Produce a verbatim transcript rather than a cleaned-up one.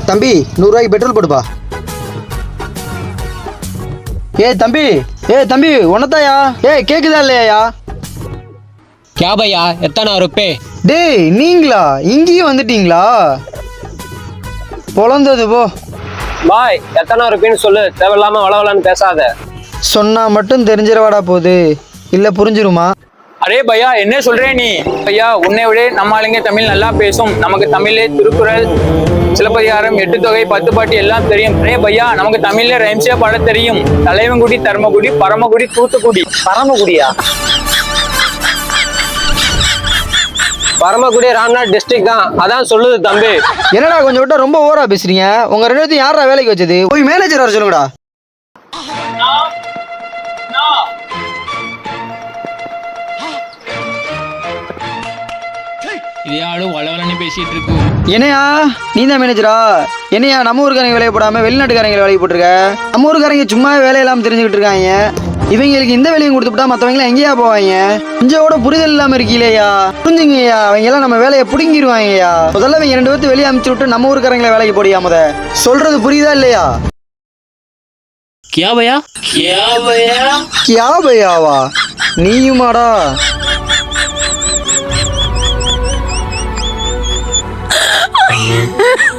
தம்பி நூறுரூவாய்க்கு பெட்ரோல் போடுப்பா. ஏ தம்பி ஏ தம்பி உனத்தாயா? ஏ கேக்குதா இல்லையா? क्या भैया எத்தனை रुपए? டேய் நீங்களா இங்கேயும் வந்துட்டீங்களா? பொழந்தது போ. பாய் எத்தனை रुपएன்னு சொல்லு, தேவையில்லாம வளவலன்னு பேசாத. சொன்னா மட்டும் தெரிஞ்சிடவாடா போகுது, இல்ல புரிஞ்சிருமா? அரே பையா என்ன சொல்றே நீ? பையா உன்னை விட நம்ம ஆளுங்க தமிழ் நல்லா பேசும். நமக்கு தமிழ்லே திருக்குறள், சிலப்பதிகாரம், எட்டு தொகை, பத்து பாட்டு எல்லாம் தெரியும். அரே பையா நமக்கு தமிழ்ல ரைம்ஸே பாட தெரியும். தலைவன்குடி, தர்மகுடி, பரமகுடி, தூத்துக்குடி. பரமக்குடியா? பரமக்குடி ராம்நாத் டிஸ்ட்ரிக்ட் தான், அதான் சொல்லுது தம்பி. என்னடா கொஞ்சம் விட்டா ரொம்ப ஓவரா பேசுறீங்க. உங்க ரெண்டு பேர்த்தையும் யாரா வேலைக்கு வச்சது? போய் மேனேஜர் வர சொல்லுங்கடா. இதே ஆளு வளவலன்னு பேசிட்டு இருக்கு. என்னையா நீ தான் மேனேஜரா? என்னையா நம்ம ஊருக்காரங்க வேலையை போடாம வெளிநாட்டுக்காரங்க வேலைக்கு போட்டிருக்க? நம்ம ஊருக்காரங்க சும்மா வேலையெல்லாம் தெரிஞ்சுக்கிட்டு இருக்காங்க. இவங்களுக்கு இந்த வேலையும் கொடுத்துட்டா மற்றவங்களாம் எங்கேயா போவாங்க? கொஞ்சம் கூட புரிதல் இல்லாம இருக்கீங்களேயா? புரிஞ்சுங்கய்யா, அவங்க எல்லாம் நம்ம வேலையை பிடுங்கிடுவாங்கய்யா. முதல்ல இவங்க ரெண்டு பேர்த்து வெளியே அமுச்சு விட்டு நம்ம ஊருக்காரங்களை வேலைக்கு போடியா. முத சொல்றது புரியுதா இல்லையா? கியா பையா? கியா பையா? கியா பையாவா? நீயுமாடா? Yeah.